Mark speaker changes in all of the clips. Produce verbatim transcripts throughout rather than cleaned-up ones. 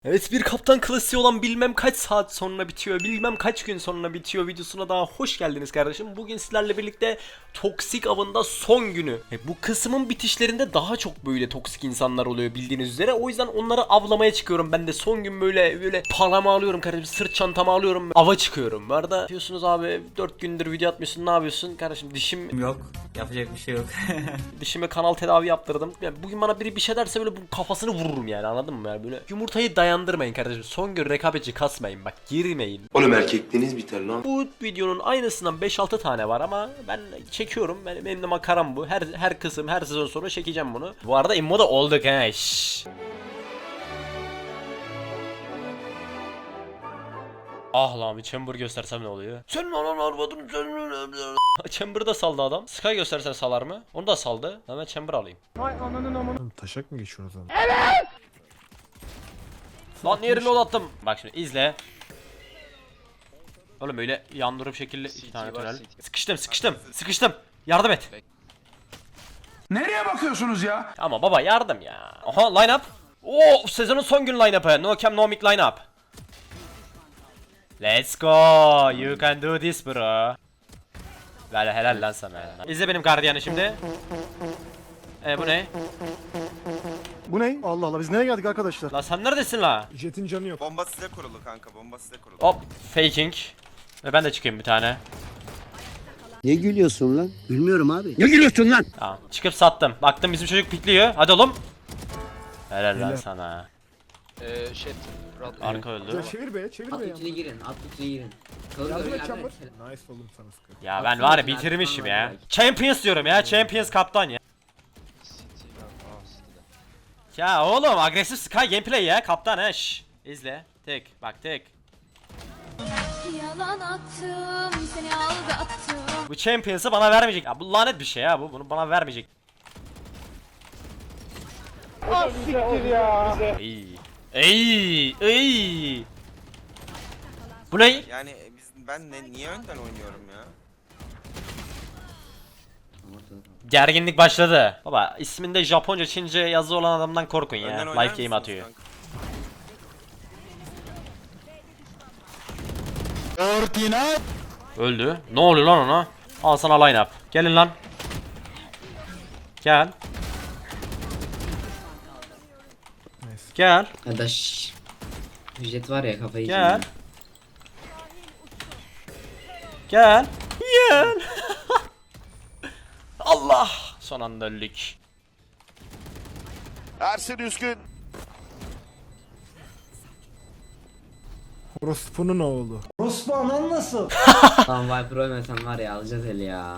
Speaker 1: Evet, bir kaptan klasiği olan bilmem kaç saat sonra bitiyor, bilmem kaç gün sonra bitiyor videosuna daha hoş geldiniz kardeşim. Bugün sizlerle birlikte toksik avında son günü. E, bu kısmın bitişlerinde daha çok böyle toksik insanlar oluyor bildiğiniz üzere. O yüzden onları avlamaya çıkıyorum. Ben de son gün böyle böyle paramı alıyorum kardeşim, sırt çantamı alıyorum, ava çıkıyorum. Bu arada diyorsunuz abi dört gündür video atmıyorsun, ne yapıyorsun? Kardeşim dişim
Speaker 2: Yok. Yapacak bir şey yok.
Speaker 1: dişime kanal tedavi yaptırdım. Yani bugün bana biri bir şey derse böyle bu kafasını vururum yani, anladın mı? Yani böyle yumurtayı dayandırmayın kardeşim. Son gün rekabetçi kasmayın, bak girmeyin.
Speaker 3: Oğlum erkekliğiniz biter lan.
Speaker 1: Bu videonun aynısından beş altı tane var ama ben çekiyorum. Benim, benim de makaram bu. Her her kısım her sezon sonra çekeceğim bunu. Bu arada immo da olduk he. Şşş. Ah lan, bir chamber göstersem ne oluyor? Sen lan arvadın sen. Chamber'ı da saldı adam. Sky göstersen salar mı? Onu da saldı. Hemen chamber alayım.
Speaker 4: Taşak mı geçiyoruz ama?
Speaker 1: Lan yerine attım. Bak şimdi izle. Oğlum öyle yandırıp şekilde iki tane tünel. Sıkıştım sıkıştım sıkıştım. Yardım et.
Speaker 5: Nereye bakıyorsunuz ya?
Speaker 1: Ama baba yardım ya. Aha line up. Oo, sezonun son gün line up'ı. No cam no mic line up. Let's go. You can do this bro. Böyle helal lan sana. İzle benim gardiyanı şimdi. E bu ne?
Speaker 4: Bu ne? Allah Allah, biz nereye geldik arkadaşlar?
Speaker 1: Lan sen neredesin la?
Speaker 4: Jet'in canı yok.
Speaker 6: Bomba size kurulu kanka, bomba size kurulu.
Speaker 1: Hop faking. Ve ben de çıkayım bir tane.
Speaker 7: Ne gülüyorsun lan? Gülmüyorum abi. Ne gülüyorsun lan?
Speaker 1: Tamam çıkıp sattım. Baktım bizim çocuk pikliyor. Hadi oğlum. Helal lan
Speaker 4: Helal.
Speaker 1: sana.
Speaker 8: Eee shit.
Speaker 1: Arka öldü.
Speaker 4: Ya çevir be, çevir
Speaker 9: At
Speaker 4: be ya.
Speaker 9: içine girin, at içine girin. Kalır
Speaker 4: Yardım
Speaker 9: böyle
Speaker 4: et
Speaker 9: yardım
Speaker 4: Chamber.
Speaker 9: et.
Speaker 4: Nice oğlum sana sıkı.
Speaker 1: Ya ben var ya bitirmişim ya. Champions diyorum ya. Champions kaptan ya. Ya oğlum agresif Sky gameplay ya. Kaptan he. Şş. İzle. Tek. Bak tek.
Speaker 10: Yalan attım, seni aldattım.
Speaker 1: Bu Champions'ı bana vermeyecek. Ya bu lanet bir şey ya bu. Bunu bana vermeyecek. Ey. Ey. Ey. Bu ne?
Speaker 6: Yani biz ben ne, niye önden oynuyorum ya?
Speaker 1: Gerginlik başladı. Baba isminde Japonca, Çince yazı olan adamdan korkun ya.
Speaker 6: Önden oynar
Speaker 1: Life game
Speaker 6: mısınız
Speaker 1: atıyor.
Speaker 6: kanka?
Speaker 1: Öldü. Ne oluyor lan ona? Al sana line up. Gelin lan. Gel. Gel.
Speaker 9: Ya da şşş. Jet var ya kafayı
Speaker 1: Gel.
Speaker 9: yiyeceğim.
Speaker 1: Gel. Gel. Allah. Son anda öldük.
Speaker 3: Ersin Üskün.
Speaker 4: Orospu'nun oğlu.
Speaker 9: Tamam Viper ölmesen var ya alacağız eli ya.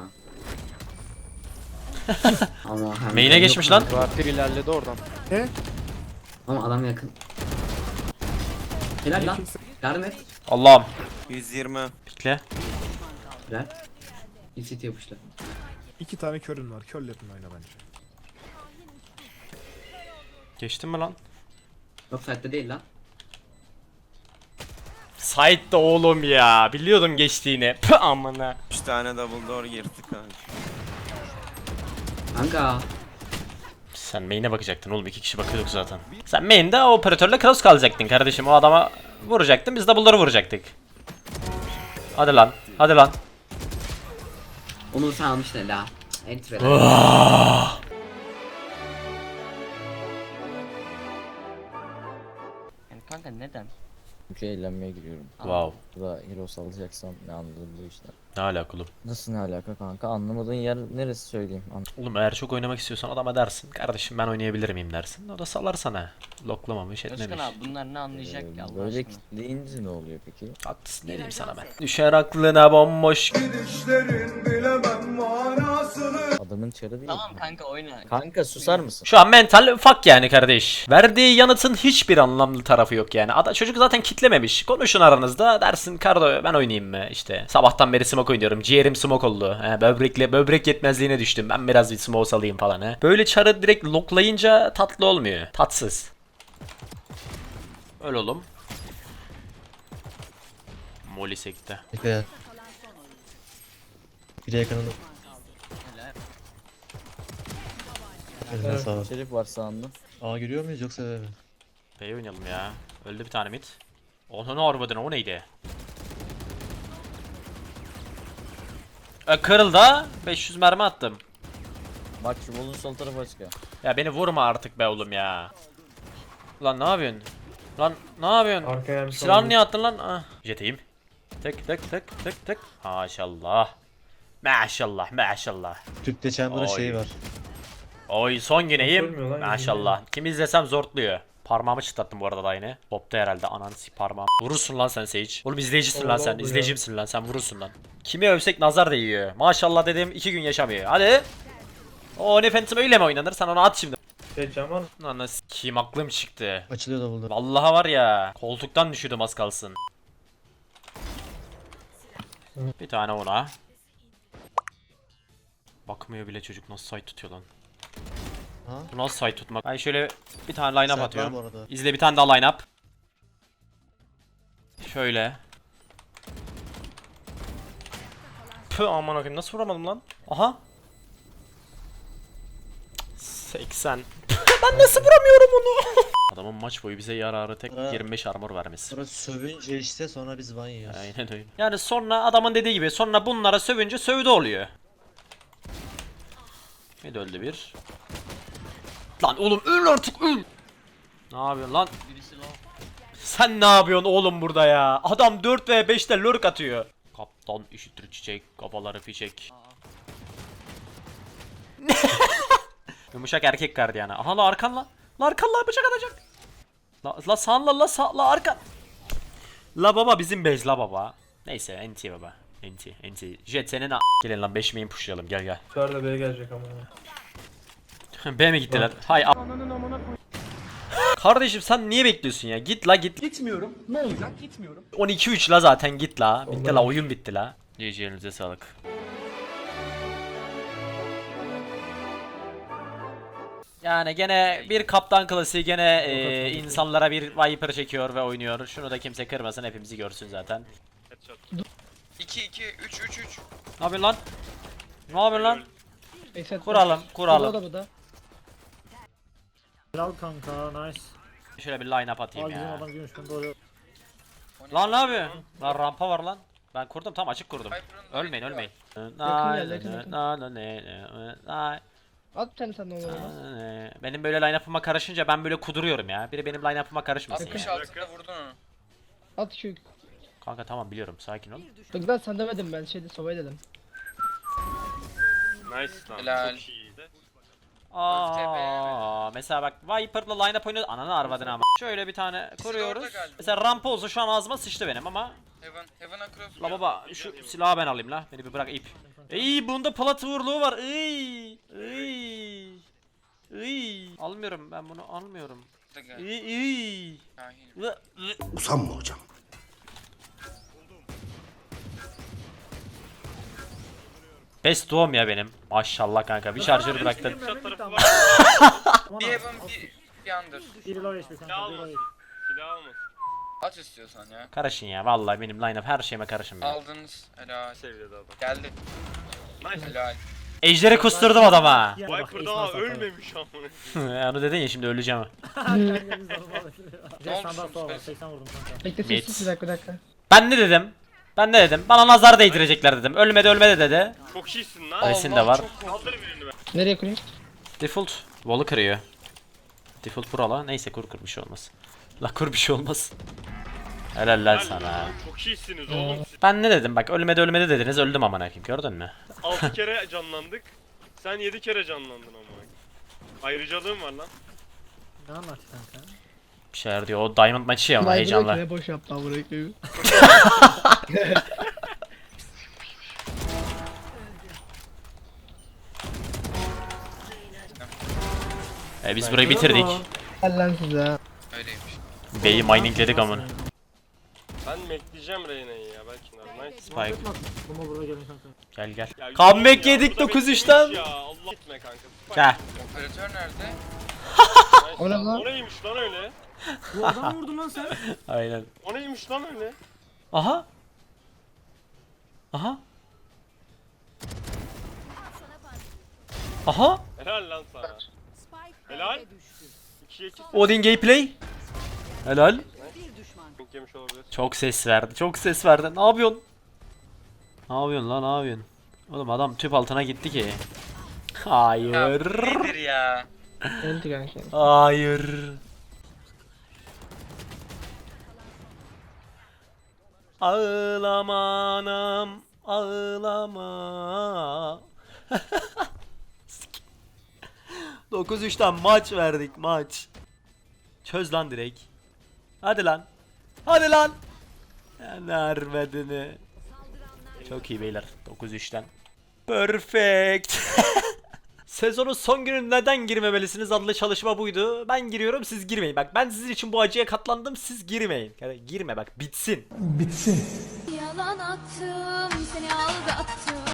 Speaker 9: Ama hem
Speaker 1: Main'e geçmiş lan.
Speaker 8: Vampir ilerledi oradan.
Speaker 4: Ne?
Speaker 9: Ama adam yakın. Helal lan. Yardım et.
Speaker 1: Allah'ım.
Speaker 6: yüz yirmi.
Speaker 1: Pikle.
Speaker 9: Helal. İlk yapıştı.
Speaker 4: İki tane körün var. Körlerin oyna bence.
Speaker 1: Geçtin mi lan?
Speaker 9: Yok saatte değil lan.
Speaker 1: Side'da oğlum ya. Biliyordum geçtiğini. Pı amına.
Speaker 6: üç tane double door girdi kanka.
Speaker 9: Kanka.
Speaker 1: Sen main'e bakacaktın oğlum, iki kişi bakıyorduk zaten. Sen main'de o operatörle cross kalacaktın kardeşim, o adama vuracaktın, biz double'ları vuracaktık. Hadi lan, hadi lan.
Speaker 9: Onu sen almışsın hele ha. Enter eder.
Speaker 11: Yani kanka neden?
Speaker 8: Çünkü eğlenmeye giriyorum.
Speaker 1: Wow,
Speaker 8: Burada hero salacaksam ne anladım bu işten.
Speaker 1: ne alaka oğlum?
Speaker 8: Nasıl ne alaka kanka? Anlamadığın yer neresi söyleyeyim? An
Speaker 1: Oğlum eğer çok oynamak istiyorsan adama dersin, kardeşim ben oynayabilir miyim dersin. O da salar sana. Loklamamış etmemiş.
Speaker 11: Özkan abi bunlar ne anlayacak
Speaker 8: Ee,
Speaker 11: ki Allah
Speaker 8: böyle
Speaker 11: aşkına?
Speaker 8: kitleyince ne oluyor peki?
Speaker 1: Haklısın, ne diyeyim sana ben. Düşer aklına bomboş.
Speaker 8: Adamın çarı değil.
Speaker 11: Tamam kanka oyna.
Speaker 8: Kanka susar mısın?
Speaker 1: Şu an mental fuck yani kardeş. Verdiği yanıtın hiçbir anlamlı tarafı yok yani. Ada çocuk zaten kitlememiş. Konuşun aranızda, dersin Kardo ben oynayayım mı işte. Sabahtan beri smoke oynuyorum. Ciğerim smoke oldu. He, böbrekle böbrek yetmezliğine düştüm. Ben biraz bir smoke salayım falan he. Böyle çarı direkt loklayınca tatlı olmuyor. Tatsız. Öyle oğlum. Molly sekte.
Speaker 8: Bir yakınında. Şerif var sağında. Aa giriyor muyuz yoksa eve mi?
Speaker 1: Bey oynayalım ya. Öldü bir tane mid. Onun arbadına o neydi? E, kırıldı. beş yüz mermi attım.
Speaker 8: Bak şu bolun sol tarafı açık ya.
Speaker 1: Ya beni vurma artık be oğlum ya. Lan ne yapıyorsun? Lan ne yapıyorsun?
Speaker 2: Arkaya bir
Speaker 1: Silahını niye attın lan? Ah. Jeteyim. Tık tık tık tık tık. Maşallah. Maşallah maşallah.
Speaker 8: Tüpte chamber'ın
Speaker 1: Oy.
Speaker 8: şeyi var.
Speaker 1: Oy son güneyim.
Speaker 2: Ölmüyor lan,
Speaker 1: Maşallah. Kim izlesem zortluyor. Parmağımı çıtlattım bu arada da yine. Hopta herhalde ananı sik parmağım. Vurursun lan sen Sage. Oğlum izleyicisin lan
Speaker 2: Allah
Speaker 1: sen.
Speaker 2: Allah
Speaker 1: İzleyicimsin lan sen vurursun lan. Kimi övsek nazar değiyor. Maşallah dedim iki gün yaşamıyor. Hadi. O ne Phantom öyle mi oynanır? Sen onu at şimdi.
Speaker 2: Şey Cemal.
Speaker 1: Ananı sikeyim aklım çıktı.
Speaker 8: Açılıyor da buldu.
Speaker 1: Vallahi var ya. Koltuktan düşürdüm az kalsın. Bir tane ona. Bakmıyor bile çocuk nasıl site tutuyor lan.
Speaker 8: Ha?
Speaker 1: Bu nasıl site tutmak? Ben şöyle bir tane line up
Speaker 8: Site var
Speaker 1: atıyorum.
Speaker 8: bu arada.
Speaker 1: İzle bir tane daha line up. Şöyle. Pı aman akım nasıl vuramadım lan? Aha. seksen. Ben nasıl vuramıyorum onu? Adamın maç boyu bize yararı tek
Speaker 8: Ara-
Speaker 1: yirmi beş armor vermesi.
Speaker 8: Sonra sövünce işte sonra biz ban yiyoruz.
Speaker 1: Aynen öyle. Yani sonra adamın dediği gibi sonra bunlara sövünce sövdü oluyor. Bir de öldü bir. Lan oğlum öl artık öl. Ne yapıyorsun lan?
Speaker 11: Birisi low.
Speaker 1: Sen ne yapıyorsun oğlum burada ya? Adam dört ve beşte lurk atıyor. Kaptan üşütür çiçek, kafaları fişek. Yumuşak erkek gardiyana. Aha la arkan la. La arkan la bıçak atacak. La, la sağ la la sağ la arkan. La baba bizim bez la baba. Neyse enti baba. Enti enti. Jet senin a- Gelin lan beş main pushlayalım gel gel.
Speaker 2: Yukarıda B'ye gelecek ama.
Speaker 1: B mi gittiler? Hay a- Kardeşim sen niye bekliyorsun ya? Git la git. Gitmiyorum. Ne olacak? Gitmiyorum. on iki üç la zaten git la. Bitti la oyun bitti la. G G elinize sağlık. Yani gene bir kaptan klasiği gene e, insanlara bir Viper çekiyor ve oynuyor. Şunu da kimse kırmasın hepimizi görsün zaten.
Speaker 6: iki iki üç üç üç.
Speaker 1: Ne yapıyorsun lan? Ne yapıyorsun lan? Kuralım kuralım.
Speaker 2: Helal kanka nice.
Speaker 1: Şöyle bir line up atayım
Speaker 2: Al bizim
Speaker 1: ya.
Speaker 2: adam gümüş ben doğru.
Speaker 1: Lan ne yapıyorsun? Lan rampa var lan. Ben kurdum tam açık kurdum. Ölmeyin ölmeyin.
Speaker 9: At bir tane sen de onu.
Speaker 1: Benim böyle line-up'ıma karışınca ben böyle kuduruyorum ya. Biri benim line-up'ıma karışmasın ya.
Speaker 6: altında vurdun onu.
Speaker 9: At şu.
Speaker 1: Kanka tamam biliyorum sakin ol.
Speaker 9: Bak ben sen demedim ben şeyde sovay dedim.
Speaker 6: Nice lan. Helal.
Speaker 1: Aa, mesela bak Viper'la line-up oynuyoruz. Ananı arvadın ama. Şöyle bir tane kuruyoruz. Mesela rampa olsa şu an ağzıma sıçtı benim ama.
Speaker 6: Heaven, Heaven across.
Speaker 1: La baba şu silahı ben alayım la. Beni bir bırak ip. İyi bunda plat vurluğu var. İyi. İyi. İyi. Almıyorum ben bunu almıyorum. İyi iyi.
Speaker 7: Usanma hocam.
Speaker 1: Best doğum ya benim. Maşallah kanka bir şarjör bıraktın.
Speaker 6: Bir Heaven bir, bir under.
Speaker 2: Biri low H P kanka biri low H P.
Speaker 6: At istiyorsan ya.
Speaker 1: Karışın ya vallahi benim line-up her şeyime karışın ya.
Speaker 6: Aldınız. Helal. Seviyede adam. Geldi. Nice. Helal.
Speaker 1: Ejderi kusturdum adama.
Speaker 2: Viper daha ölmemiş.
Speaker 1: Onu dedin ya şimdi öleceğim.
Speaker 2: Ne olmuş? seksen vurdum kanka.
Speaker 9: Bekle
Speaker 1: Mid.
Speaker 9: sessiz bir dakika bir dakika.
Speaker 1: Ben ne dedim? Ben ne dedim? Bana nazar değdirecekler dedim. Ölmedi ölmedi dedi.
Speaker 6: Çok iyisin lan.
Speaker 1: Resim de var.
Speaker 9: Nereye kurayım?
Speaker 1: Default wall'u kırıyor. Default buralı. Neyse kur kur bir şey olmaz. La kur bir şey olmaz. Helal lan sana.
Speaker 6: Çok iyisiniz oğlum.
Speaker 1: Ben ne dedim? Bak ölmedi ölmedi dediniz. Öldüm amına koyayım. Gördün mü?
Speaker 6: altı kere canlandık. Sen yedi kere canlandın ama. Ayrıcalığın var lan.
Speaker 2: Ne anlattı kanka?
Speaker 1: Bir şeyler diyor. O Diamond maçı ya ama heyecanla.
Speaker 9: Ne boş yaptı abi burayı.
Speaker 1: E biz burayı bitirdik.
Speaker 9: Gel lan size.
Speaker 6: Öyleymiş.
Speaker 1: B'yi miningledik amına.
Speaker 6: Ben bekleyeceğim Reyna'yı ya belki normal.
Speaker 1: Spike.
Speaker 2: Bunu buraya gelin kanka.
Speaker 1: Gel gel. Comeback yedik dokuz üçten.
Speaker 6: Ya Allah gitme kanka.
Speaker 1: Gel.
Speaker 6: Operatör nerede?
Speaker 9: O ne lan?
Speaker 6: O neymiş lan öyle?
Speaker 2: Bu adamı vurdun lan sen.
Speaker 1: Aynen.
Speaker 6: O neymiş lan öyle?
Speaker 1: Aha. Aha. Aha.
Speaker 6: Helal lan sana. Helal. ikiye iki.
Speaker 1: Odin gameplay. Helal.
Speaker 6: fake yemiş olabilir.
Speaker 1: Çok ses verdi. Çok ses verdi. Ne yapıyorsun? Ne yapıyorsun lan? Ne yapıyorsun? Oğlum adam tüp altına gitti ki. Hayır.
Speaker 11: Nedir ya?
Speaker 2: Öldü kanka.
Speaker 1: Hayır. Ağlama anam, ağlama. dokuz üçten maç verdik, maç. Çöz lan direkt. Hadi lan. Hadi lan. Nervedini. Çok iyi beyler. dokuz üçten. Perfect. Sezonun son günü neden girmemelisiniz adlı çalışma buydu. Ben giriyorum, siz girmeyin. Bak ben sizin için bu acıya katlandım, siz girmeyin. Yani girme bak, bitsin.
Speaker 10: Yalan attım seni aldattım.